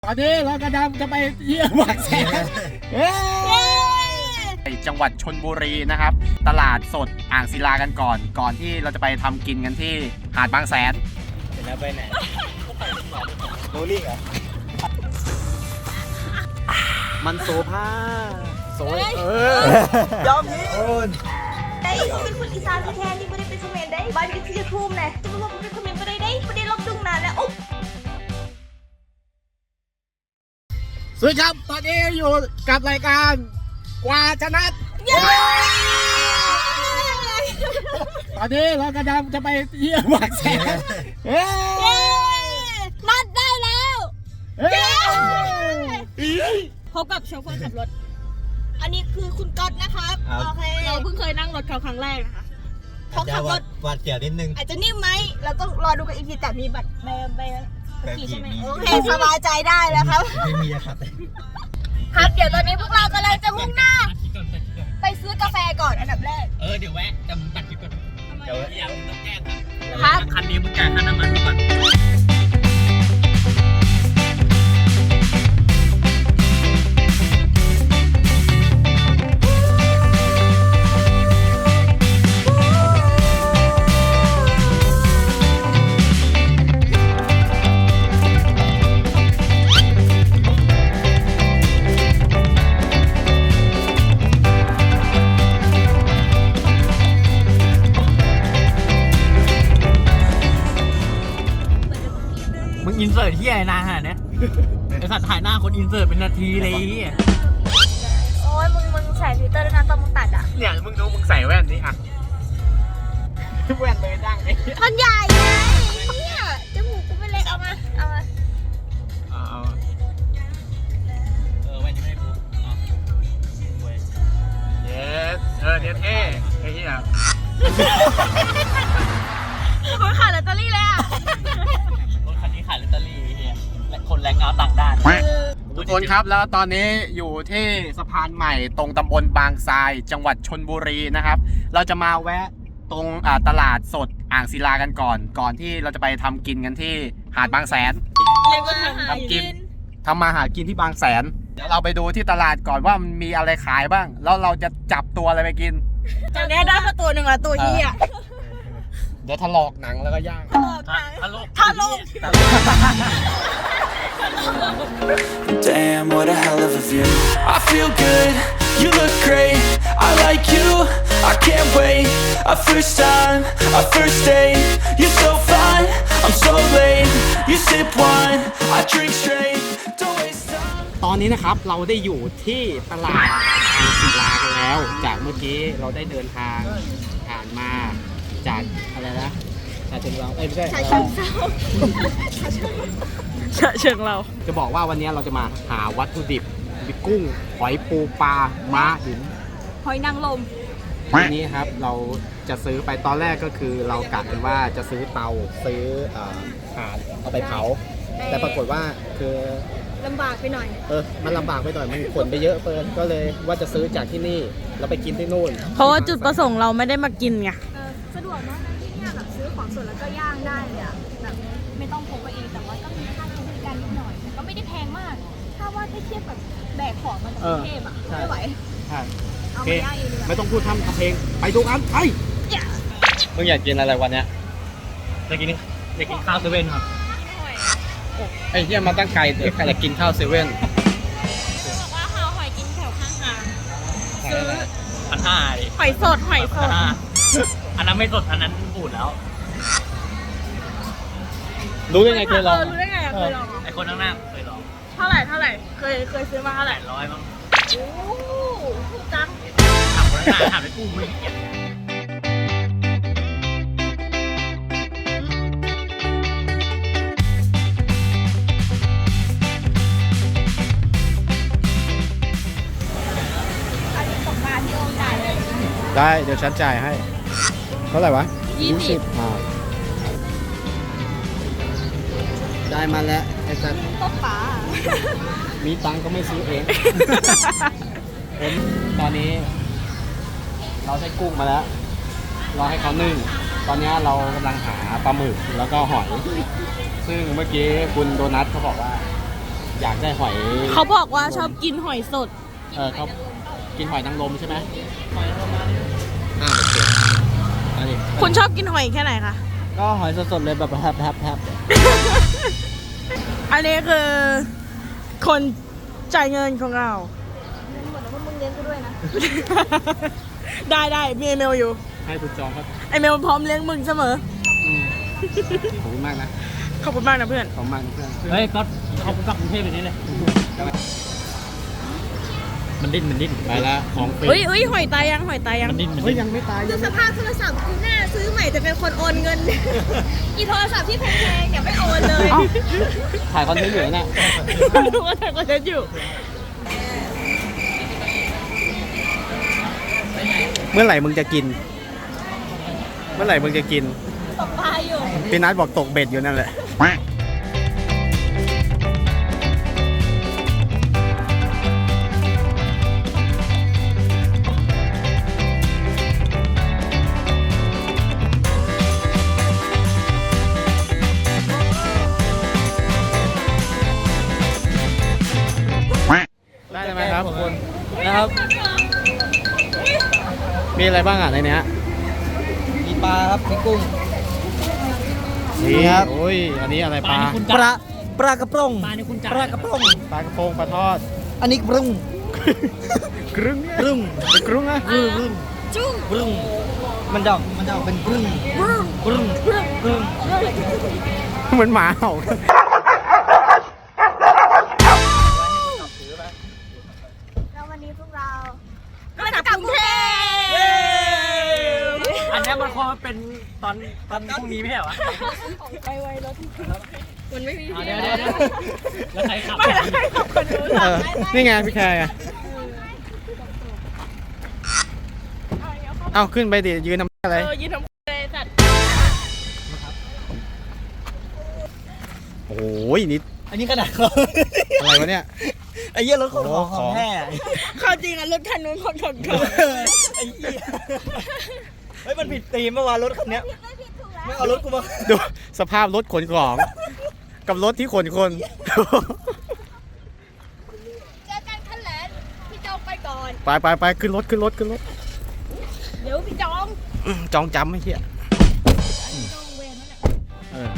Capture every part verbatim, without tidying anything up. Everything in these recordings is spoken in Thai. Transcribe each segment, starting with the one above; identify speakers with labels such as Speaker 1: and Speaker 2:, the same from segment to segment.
Speaker 1: ตอนนี้เรากำลังจะไปเยี่ยมบางแสนจังหวัดชลบุรีนะครับตลาดสดอ่างศิลากันก่อนก่อนที่เราจะไปทำกินกันที่หาดบางแสนเสร็จแล้วไปไหนโรลลิ่งเหรอมันโซภาโซเออยอมพี่
Speaker 2: ได้เป็นคนอีสานแท้ๆนี่ไม่ได้เป็นเขมรได้บ้านอยู่ที่ทุ่มเลยจะมาบอกเป็นเขมรไม่ได้ได้ไม่ได้ลบดุงนานแล้วอุ๊บ
Speaker 1: สวัสดีครับตอนนี้อยู่กับรายการกว่าชนะตอนนี้เรากำลังจะไปเยี่ยมบางแสน
Speaker 2: นัดได้แล้วพบกับโชเฟอร์ขับรถอันนี้คือคุณก๊อตนะครับโอเคเราเพิ่งเคยนั่งรถเขาครั้งแรกนะคะเขาขับรถ
Speaker 3: หวาดเสียวนิดนึง
Speaker 2: อาจจะนิ่มไหมเราต้องรอดูกันอีกทีแต่มีบัตรใบใบขี่ใช่ไหมโอเคสบายใจได้แล้วครับ
Speaker 3: ไม่มีครับ
Speaker 2: ครับเดี๋ยวตอนนี้พวกเรากำลังจะมุ่งหน้าไปซื้อกาแฟก่อนอันดับแรก
Speaker 4: เออเดี๋ยวแวะจะมึงตัดคลิปก่อนเดี๋ยวอยากมึงต้องแก้ครับคันนี้มึงจ่ายค่าน้ำมันก่อนอินเสิร์ตที่ไหนนานขนาดนี้ไอสัตว์ถ่ายหน้าคนอินเสิร์ตเป็นนาทีเลย
Speaker 2: โอ้ยมึงมึงใส่ฟิลเตอร์ด้วยนะตอนมึงตัดอ่ะ
Speaker 1: เนี่ยมึงดูมึงใส่แว่นนี่อ่ะแว่นเลยดังเลย
Speaker 2: มันใหญ่ไงเนี่ยจมูกกูไม่เล็กเอามาเอามา
Speaker 1: เอา
Speaker 4: เออแว่นยังไม่ได้ปุ๊บ
Speaker 1: เยสเออเนี่ยเท่ไอ้เหี้ย
Speaker 2: คนขายลอตเตอรี่เลยอ่ะ
Speaker 4: คันนี้ขายลอตเตอรี่เฮียและคนแรงงานต่างด้าน
Speaker 1: ทุกคนครับแล้วตอนนี้อยู่ที่สะพานใหม่ตรงตำบลบางทรายจังหวัดชลบุรีนะครับเราจะมาแวะตรงตลาดสดอ่างศิลากันก่อนก่อนที่เราจะไปทำกินกันที่หาดบางแสนทำกินทำมาหากินที่บางแสนเดี๋ยวเราไปดูที่ตลาดก่อนว่ามันมีอะไรขายบ้างแล้วเราจะจับตัวอะไรไปกิน
Speaker 2: จากนี้ได้มาตัวหนึ่งละตัวนี้อ่ะ
Speaker 1: เดี๋ยวถลอกหนังแล้วก็ย่าง
Speaker 2: ถลกถลก
Speaker 5: Damn, what a hell of a view. I feel good, you look great. I like you, I can't wait. A first time, a first date. You're so fine, I'm so late. You sip wine, I drink straight. Don't waste time.
Speaker 1: ตอนนี้นะครับเราได้อยู่ที่ตลาดอ่างศิลากันแล้วจากเมื่อกี้เราได้เดินทางผ่านมาจากอะไรนะชาเชิงเราเอ้ยไม่ใช่
Speaker 2: ชาเชิงเซาชาเชิงเรา
Speaker 1: จะบอกว่าวันนี้เราจะมาหาวัตถุดิบมีกุ้งหอยปูปลาม้าหิน
Speaker 2: หอยนางรม
Speaker 1: วันนี้ครับเราจะซื้อไปตอนแรกก็คือเรากะกันว่าจะซื้อเตาซื้อถ่านเอาไปเผาแต่ปรากฏว่าคือ
Speaker 2: ลำบากไปหน่อย
Speaker 1: เออมันลำบากไปหน่อยมันขนไปเยอะเกินก็เลยว่าจะซื้อจากที่นี่แล้วไปกินที่นู่น
Speaker 6: เพราะว่าจุดประสงค์เราไม่ได้มากินไง
Speaker 2: สะดวกมากนะที่นี่แบบซื้อของสดแล้วก็ย่างได้เลยอะแบบไม่ต้องพกไปเองแต่ว่าก็มีค่าใช้บริการนิดหน่อยก็ไม่ได้แพงมากถ้าว่าถ้าเทียบกับแบกของมาจากกรุงเทพอะไม่ไหว
Speaker 1: ใช่เอาไปย่างเองดีกว่าไม่ต้องพูดทำทำเพลงไปดูกันไปมึงอยากกินอะไรวันเนี้ย
Speaker 4: อยากกินอยากกินข้าวเซเว่นครับ
Speaker 1: ไอ้เหี้ยมาตั้งไกลแต่ใครอยากกินข้าวเซเว่น
Speaker 2: บอกว่าหาหอยกินแถวข้างทาง
Speaker 4: ซื้อพันห้า
Speaker 6: หอยสดหอยสด
Speaker 4: อันนั้นไม่สดอันนั้นบูดแล้ว
Speaker 1: รู้ได้ไงเคยลอง
Speaker 6: รู้ได้ไงเคยลอง
Speaker 4: ไอคนข้างหน้าเคยลอง
Speaker 6: เท่าไหร่เท่าไหร่เคยเคยซื้อมาเท่าไหร่
Speaker 4: ร้อยมั้ง
Speaker 2: โอ้ถูกจัง
Speaker 4: ถามคนข้างหน้าถามไอ้กูไม่เก็บ
Speaker 1: ได้เดี๋ยวฉันจ่ายให้เท่าไหร่วะ
Speaker 6: ยี่สิบ
Speaker 1: อ่าได้มาแล้วไอ้สัตว์
Speaker 2: ตบป๋า
Speaker 1: มีตังก็ไม่ซื้อเองผมตอนนี้เราได้กุ้งมาแล้วรอให้เขานึ่งตอนนี้เรากำลังหาปลาหมึกแล้วก็หอยซึ่งเมื่อกี้คุณโดนัทเขาบอกว่าอยากได้หอย
Speaker 6: เขาบอกว่าชอบกินหอยสด
Speaker 1: เออเขากินหอยนางรมใช่ไหมอ่าโอเคอันนี้
Speaker 6: คุณชอบกินหอยแค่ไหนคะ
Speaker 4: ก็หอยสดๆเลยแบบแฮบแฮบ
Speaker 6: อันนี้คือคนจ่ายเงินของเรา
Speaker 2: หมดแล้วมึงเลี้ยงกูด้วยนะ
Speaker 6: ได้ได้มีไอเมลอยู่
Speaker 1: ให้คุณจองครับ
Speaker 6: ไอเมลพร้อมเลี้ยงมึงเสมอ
Speaker 1: อืมขอบคุณมากนะ
Speaker 6: ขอบคุณมากนะเพื่อน
Speaker 1: ขอบคุณมากนะเพื่อน
Speaker 4: เฮ้ยก็เขากลับกรุงเทพไปนี้เลย มันดิ้นมันดิ้น
Speaker 1: ไปแล้วของฟรี
Speaker 6: เฮ้ยเฮ้ยหอยตายยังหอยตายยัง
Speaker 4: มันดิ้นมัน
Speaker 1: เฮ้ย
Speaker 4: ดิ้น
Speaker 1: ยังไม่ตาย
Speaker 2: ดู
Speaker 1: ยัง
Speaker 2: สภาพโทรศัพท์กูหน้าซื้อใหม่แต่เป็นคนโอนเงิน อีโทรศัพท์ที่แพงๆอย่าไม่โอนเลย
Speaker 1: เอ้าถ่ายคอนเทนต์อยู่เนี่ย
Speaker 6: รู้ว่าถ่ายคอนเทนต์อยู่
Speaker 1: เมื่อไหร่มึงจะกิน เมื่อไหร่มึงจะกิน
Speaker 2: ตกปลาอยู่
Speaker 1: พี่นัทบอกตกเบ็ดอยู่นั่นแหละได้ไหมครับคุณ
Speaker 4: นะครับ
Speaker 1: มีอะไรบ้างอ่ะในเนี้ย
Speaker 4: มีปลาครับมีกุ้ง
Speaker 1: นี่
Speaker 4: ครับ
Speaker 1: โอ้ย อันนี้อะไรปลา
Speaker 4: คุณ
Speaker 3: ปลาปลากระป๋อง
Speaker 4: ปลานี่คุณจ่าย
Speaker 3: ปลากระป๋อง
Speaker 1: ปลากระพงปลาทอด
Speaker 3: อันนี้ปรุง
Speaker 1: กรึ้ง
Speaker 3: ปรุง
Speaker 1: เป็นกรึ้งอะ
Speaker 3: ปรุงปรุง
Speaker 2: จุ้ง
Speaker 3: ปรุงมันจะออกมันจะออกเป็นปรุงปรุงปรุง
Speaker 1: เหมือนหมาเห่า
Speaker 2: แล้ววันนี้พวกเรา
Speaker 6: ก็จะกลับกรุงเทพ
Speaker 4: อันนี้มันคงเป็นตอนตอนพรุ่งนี้ไม่ใช่เหรอวะ
Speaker 6: ไปไวรถมันไม่มี
Speaker 4: เอา
Speaker 6: ที่
Speaker 4: เดี๋ยวเดี๋ยวเดี๋ยวแล้วใครขับ
Speaker 6: ไม่ได้ขับคนดู
Speaker 1: เออนี่ไงพี่แคร์ไงเอาขึ้นไปดิยืนทำอะไร
Speaker 6: เออยืนทำเลยสัตว์
Speaker 1: โอ้ยนิด
Speaker 3: อันนี้ขนาดเขา
Speaker 1: อะไรวะเนี่ย
Speaker 3: ไอ้เหี้ยรถของ
Speaker 1: โอ้
Speaker 3: ของ
Speaker 1: ข
Speaker 3: ข
Speaker 1: อ
Speaker 3: อง งแท้
Speaker 6: เข้าจริงอ่ะรถคันนู้นของของเขา
Speaker 3: ไอ้เหี้ยเฮ้ยมันผิดธีมเมื่อวานรถคันเนี้ย
Speaker 2: ไม่ผิดถูกแล้ว
Speaker 3: ไม่เอารถกูมา
Speaker 1: ดูสภาพรถขนของ กับรถที่ขนคน
Speaker 2: เจอกันขั้นแหลนพี่จองไปก่อน
Speaker 1: ไปไปไปขึ้นรถขึ้นรถขึ้นรถ
Speaker 2: เดี๋ยวพี่จอง
Speaker 1: อืมจองจำไม่เหี้ยเออ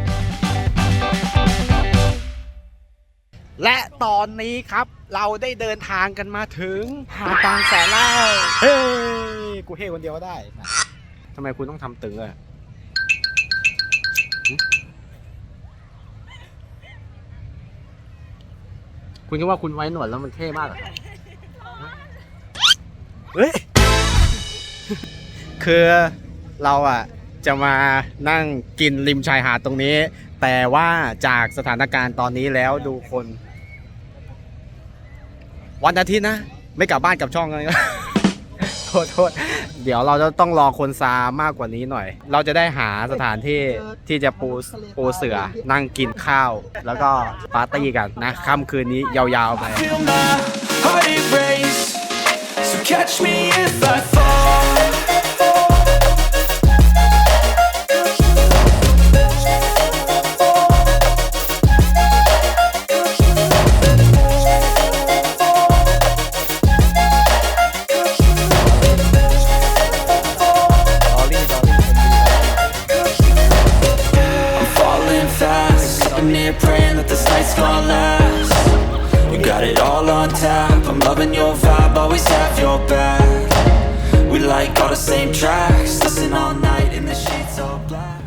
Speaker 1: และตอนนี้ครับเราได้เดินทางกันมาถึงหาดบางแสนแล้วเฮ้ยกูเฮ้คนเดียวก็ได้ทำไมคุณต้องทำตึงอะหึคุณคิดว่าคุณไว้หนวดแล้วมันเท่มากเหรอเฮ้ย คือเราอ่ะจะมานั่งกินริมชายหาดตรงนี้ แต่ว่าจากสถานการณ์ตอนนี้แล้วดูคน วันอาทิตย์นะ ไม่กลับบ้านกลับช่องเลย โทษโทษเดี๋ยวเราจะต้องรอคนซามากกว่านี้หน่อย เราจะได้หาสถานที่ที่จะปูปูเสือนั่งกินข้าว แล้วก็ปาร์ตี้กันนะค่ำคืนนี้ยาวๆไป
Speaker 5: Feel my heart erase. So catch me if I fall. I'm falling fast. I'm near praying that this night's gonna last. You got it all on tap. I'm loving your vibe, always have your back. We like all the same tracks. Listen all night in the sheets all black.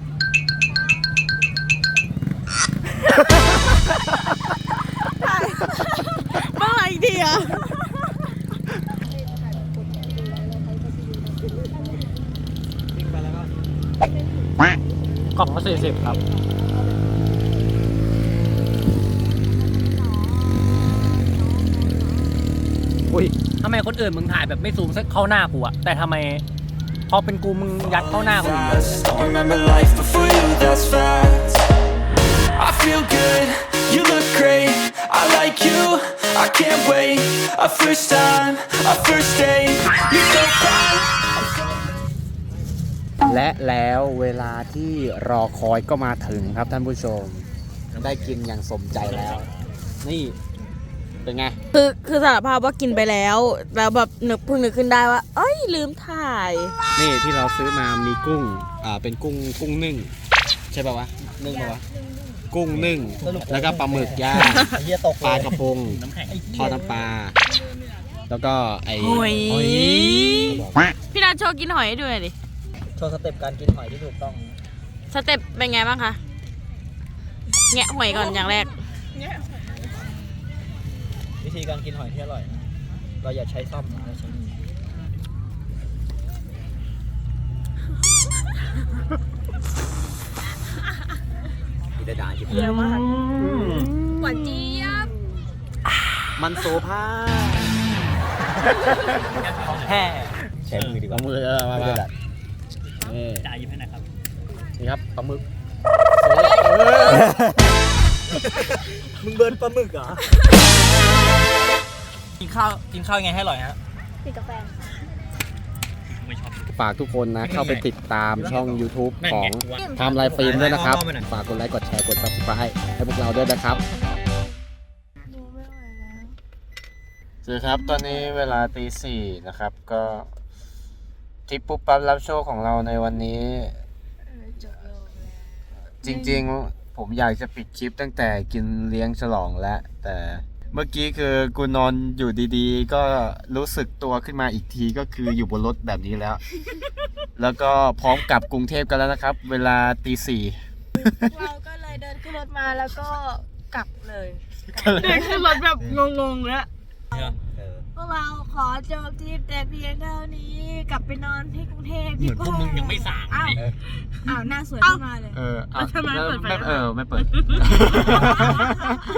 Speaker 6: เมื่อไหร่ดีอ่ะ
Speaker 4: กล่องละสี่สิบครับ
Speaker 1: อุ้ย
Speaker 4: ทำไมคนอื่นมึงถ่ายแบบไม่ซูมสักเข้าหน้ากูอะแต่ทำไมพอเป็นกูมึงยัดเข้าหน้ากูอย่างเดียว
Speaker 5: Don't remember life before you, that's fact. I feel good, you look great. I like you, I can't wait. A first time, a first date. You're so fine.
Speaker 1: และแล้วเวลาที่รอคอยก็มาถึงครับท่านผู้ชม ได้กินอย่างสมใจแล้วนี่ เป็นไง
Speaker 6: คือคือสารภาพว่ากินไปแล้ว แล้วแบบนึกเพิ่งนึกขึ้นได้ว่า เอ้ยลืมถ่าย
Speaker 1: นี่ที่เราซื้อมามีกุ้ง อ่า เป็นกุ้งกุ้งนึ่ง ใช่ป่าวะ นึ่งป่าวะ กุ้งนึ่ง แล้วก็ปลาหมึกย่าง
Speaker 3: ไอ้เหี้ยตก
Speaker 1: ปลากระพง
Speaker 4: น้ำแข็ง
Speaker 1: ทอดน้ำปลา แล้วก็ไอ้
Speaker 6: หอย
Speaker 1: หอย
Speaker 6: พี่นัทโชว์กินหอยให้ดูหน่อยดิ
Speaker 3: โชว์สเต็ปการกินหอยที่ถูกต้อง
Speaker 6: สเต็ปเป็นไงบ้างคะ แงะหอยก่อนอย่างแรก
Speaker 3: วิธีการกินหอยที่อร่อยนะเราอย่าใช้ซ่อมนะเราใช้มือ
Speaker 1: พิดาจิบ
Speaker 6: เยอะมาก
Speaker 2: หวานเจี๊ยบ
Speaker 1: มันโซภา
Speaker 3: ของแท้ใช้มือดีก
Speaker 1: ปลา
Speaker 3: ว่า
Speaker 1: หมึกเออมา
Speaker 3: ไม่
Speaker 1: มา
Speaker 3: ได้
Speaker 1: นี่
Speaker 4: จ่ายยิบให้หนะครับ
Speaker 1: นี่ครับปลาหมึก
Speaker 3: มึงเบิร์นปลาหมึกเหรอ กินข้าวกินข้าวยังไงให้อร่อยฮะ
Speaker 2: ติดกาแฟ
Speaker 4: ไม่ชอบ
Speaker 1: ฝากทุกคนนะ เข้าไปติดตามช่อง YouTube
Speaker 4: นั่น
Speaker 1: ขอ
Speaker 4: ไง
Speaker 1: ง
Speaker 4: ว่า
Speaker 1: ไทม์ไลน์ฟิล์มด้วยนะครับ
Speaker 3: เอามาหน่อย
Speaker 1: ฝากกดไลค์ กดแชร์ กด Subscribe ให้พวกเราด้วยนะครับสวัสดีครับ ตอนนี้เวลาตีสี่นะครับ ก็ทริปปุ๊บปั๊บรับโชคของเราในวันนี้ จริงๆ ผมอยากจะปิดคลิปตั้งแต่กินเลี้ยงฉลองแล้ว แต่เมื่อกี้คือกูนอนอยู่ดีๆ ก็รู้สึกตัวขึ้นมาอีกทีก็คืออยู่บนรถแบบนี้แล้ว แล้วก็พร้อมกลับกรุงเทพกันแล้วนะครับ เวลาตีสี่
Speaker 6: เราก็เลยเดินขึ้นรถมาแล้วก็กลับเลยเดินขึ้นรถแบบงงๆแล้วพวกเราขอจบทริปแต่เพียงเท่านี้ กลับไปนอนที่กรุงเทพ
Speaker 4: เห
Speaker 6: ดี
Speaker 4: มือน
Speaker 6: ก
Speaker 4: พวก
Speaker 6: ว่า
Speaker 4: มึงยังไม่สั่ง
Speaker 6: อ้าว
Speaker 4: เลย
Speaker 6: อ้าวหน้าสวยขึ้นมาเลย
Speaker 1: เออ
Speaker 6: แล้วทำไมไม่เปิดไฟ
Speaker 1: ไม่เออ ไม่เปิด